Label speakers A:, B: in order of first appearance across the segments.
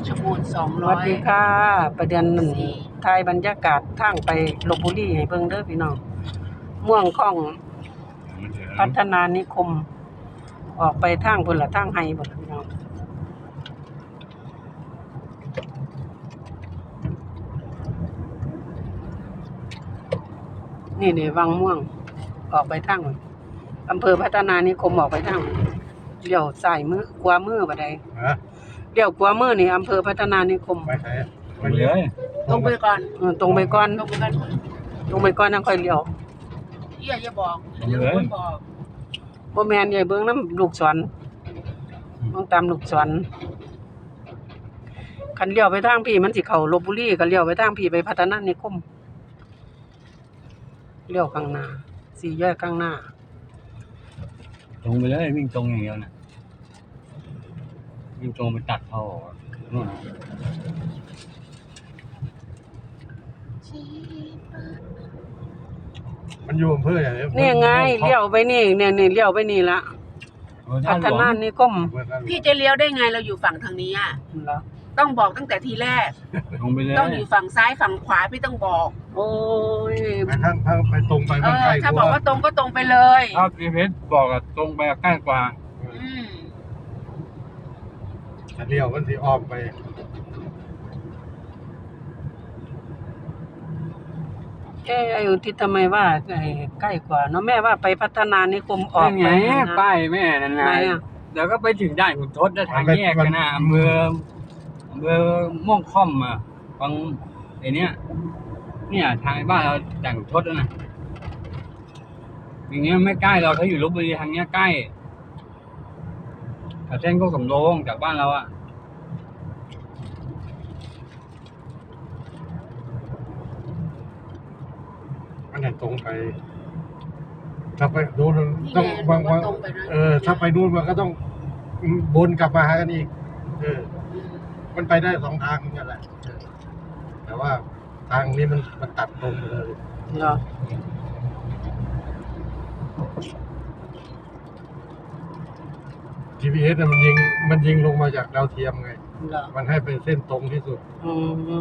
A: ชรบูรณ์
B: สวัสดีค่ะประเด็น
A: 204
B: ถ่ายบรรยากาศทางไปลพบุรีให้เบิ่งเด้อพี่น้องม่วงของพัฒนานิคม ออกไปทางพุ่นละทางไห้พุ่นล่ะพี่น้องนี่วังม่วง ออกไปทางอำเภอพัฒนานิคมออกไปทางเลี้ยวซ้ายมือขวามือบ่ได้เลี้ยวขวามือนี่อำเภอพัฒนานิคม
C: ไปไหน
D: ไปเลย
A: ตรงไปก่อน
B: ตรงไปก่อน
A: ตรงไปก่อน
B: ตรงไปก่อนนั่นค่อยเลี้ยว
A: อย่าบอกอย่าคนบอก
B: บ่แม่นใหญ่เบิ่งน้ำลูกศรต้องตามลูกศรคันเลี้ยวไปทางพี่มันสิเข้าลพบุรีก็เลี้ยวไปทางพี่ไปพัฒนานิคมเลี้ยวข้างหน้าสี่แยกข้างหน้า
D: ตรงไปเลยวิ่งตรงอย่างเดียวนะวิ่งตรงไปตัดเขาออกนู่นน่ะ
C: มันอยู่อำเภออย่างนี้
B: นี่ไงเลี้ยวไปนี่เนี่ยเลี้ยวไปนี่ละพัฒนานิคม
A: พี่จะเลี้ยวได้ไงเราอยู่ฝั่งทางนี้อ่ะ
B: เหรอ
A: ต้องบอกตั้งแต่ทีแรก
D: ตรงไปเลย
A: ต้องอยู่ฝั่งซ้ายฝั่งขวาพี่ต้องบอก
B: โอ้ย
C: ไปทางไปตรงไปมันใกล้
A: ถ้าบอกว่าตรงก็ตรงไปเลย
D: ถ้าพีเพชรบอกอะตรงไปใกล้กว่า
A: อืม
C: แต่เลี้ยวมันสิอ้อมไป
B: ไอ้อุทิศทำไมว่าใกล้กว่าเนาะแม่ว่าไปพัฒนานิคมออก
D: ไง
B: ไปนะ
D: ป้ายแม่นั่น
B: ไหน
D: นะ
B: อ่ะ
D: เดี๋ยวก็ไปถึงด่านขุนทดแล้วทางแยกกันนะอำเภอม่วงค่อมอ่ะฟังไอ้เนี้ยเนี่ยทางบ้านเราด่านขุนทดแล้วนะอย่างเงี้ยไม่ใกล้เราถ้าอยู่ลพบุรีทางเนี้ยใกล้แต่เส้นก็สำโรงจากบ้านเราอ่ะ
C: มันตรงไป ถ้าไปดูน
A: นี่
C: ต้อง
A: ไง
C: วาง
A: ว่าตรงไปนะ
C: ถ้าไปนู่นมันก็ต้องวนกลับมาหากันอีกมันไปได้สองทางนั่นแหละแต่ว่าทางนี้มันตัดตรงไปเลย
B: เหรอ
C: GPS น่ะมันยิงลงมาจากดาวเทียมไง
B: เหรอ
C: มันให้เป็นเส้นตรงที่สุด
B: อืม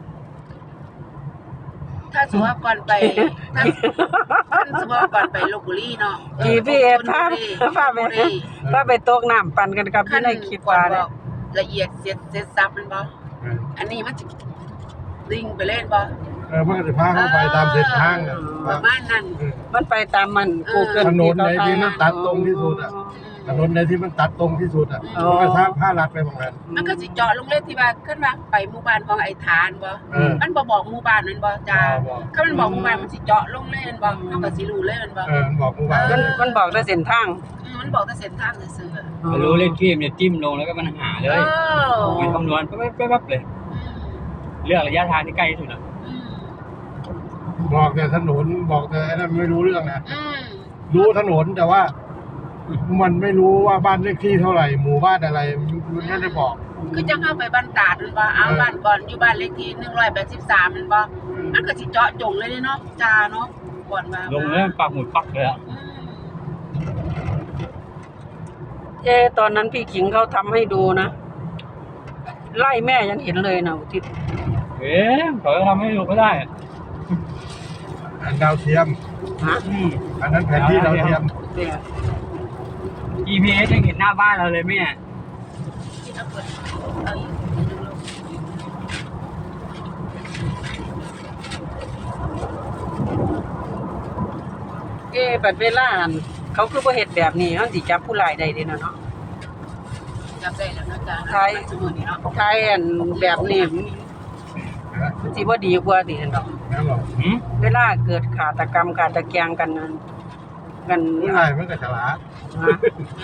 A: ถ้าสมมติว่าก่อนไปถ้าสมมติว่าก่อนไปลพบุรีเนาะ
B: GPS ถ้าไปตกน้ำปั่นกันกับที่ในคลิป
A: ก่อน
B: ว่า
A: บ
B: เนี่
A: อย กละเอียดเสร็จซับมันบ่ อันนี้มันจะลิงไปเล่นบ่
C: มันก็จะพาเข้าไปตามเส้นทางน่ะ
A: ประมาณนั้น
B: มันไปตามมัน Google
C: ถนนไหนที่มันตัดตรงที่สุดอ่ะถนนไหนที่มันตัดตรงที่สุดอ่ะ
B: อ๋อ
C: มันก็พาลัดไปเหมือนกัน
A: มันก็สิเจาะลงเล่นที่ว่าขึ้นมาไปหมู่บ้านของไอ้ฐานบ่ มันบ่บอกหมู่บ้านนั่นบ่จ้า
C: บอก
A: ถ้ามันบอกหมู่บ้านมันสิเจาะลงเล่นบ่เฮาก็สิรู้เลยมันบ่
C: มันบอกกูว่า
B: มันบอกแต่เส้นทาง
A: มันบอกแต่เส้นทางซื่อๆอะ
D: ไม่รู้เลขที่มันจะจิ้มลงแล้วก็มันหาเลย
A: อ
D: มันคำนวณปั๊บเลย เลือกระยะทางที่ใกล้ที่สุดอ่ะ
A: อืม
C: บอกแต่ถนนบอกแต่ไอ้นั่นไม่รู้เรื่องนะ
A: อืม
C: รู้ถนนแต่ว่า มันไม่รู้ว่าบ้านเลขที่เท่าไหร่ หมู่บ้านอะไรมันไม่ได้บอก
A: คือจังเฮาไปบ้านตาดมันบ่เอาบ้านก่อนอยู่บ้านเลขที่183มันบ่มันก็สิเจาะจงเลยเนาะจ้าเนาะก่อนว่า
D: ลงแล้วปักหมุดปักเลยอ่ะ
A: อืม
B: ตอนนั้นพี่ขิงเขาทำให้ดูนะ ไล่แม่ยังเห็นเลยนะอุทิศ
D: เขาจะทำให้ดูก็ได้
C: อันดาวเทียม
B: ฮะ
C: อันนั้นแผนที่ดาวเทียม
B: เนี่ย
D: GPS ยังเห็นหน้าบ้านเราเลยแม่
A: ที่เอาเปิดเอาอีกดึงลง
B: บัดเวลาอั่นเขาคือบ่เฮ็ดแบบนี้เขาสิจับผู้ร้ายได้เด้เนาะ
A: จับได้แล้วนะจ้า
B: ใช่
A: สมุนนี่เนาะ
B: ใช่อันแบบนี้มันสิบ่ดีกว่าติเนาะ
C: นั่นหรอ
B: เวลาเกิดฆาตกรรมฆาตแกล้งกันนั้นกัน
C: ผู้ชายมันก็ฉลาด
B: ฮะ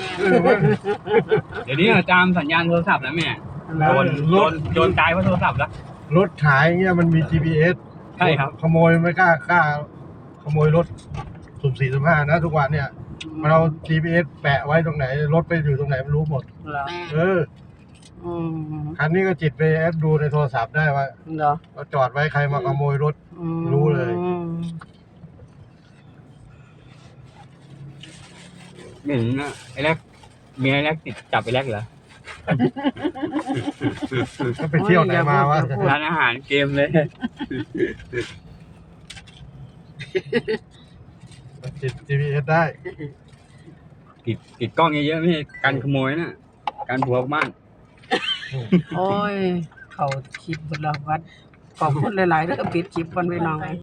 D: เดี๋ยวนี้ตามสัญญาณโทรศัพท์แล้วแม่โดนตายเพราะโทรศัพท์แล้ว
C: รถขายเงี้ยมันมี GPS
D: ใช่ครับ
C: ขโมยไม่กล้าขโมยรถสุ่มสี่สุ่มห้านะทุกวันเนี่ย มันเอา GPS แปะไว้ตรงไหน รถไปอยู่ตรงไหนมันรู้หมด
B: เหรอ
A: แม่
B: อืม
C: คันนี้ก็จิตไปแอปดูในโทรศัพท์ได้ว่า
B: เหรอ
C: เราจอดไว้ใครมาขโมยรถ
B: อืม
C: รู้เลย
D: เหมือนไอ้แรกเมียไอ้แรกติดจับไอ้แรกเหรอ
C: ก็ไปเที่ยวไหนมาวะ
D: ร้านอาหารเกมเลย
C: ติด GPS ได้
D: ติดกล้องเยอะๆไม่ใช่การขโมยนะการผัวบ้าน
B: โอ้ย เขาคลิปบนเราวัดขอบคุณหลายๆเด้อปิดคลิปก่อนพี่น้อง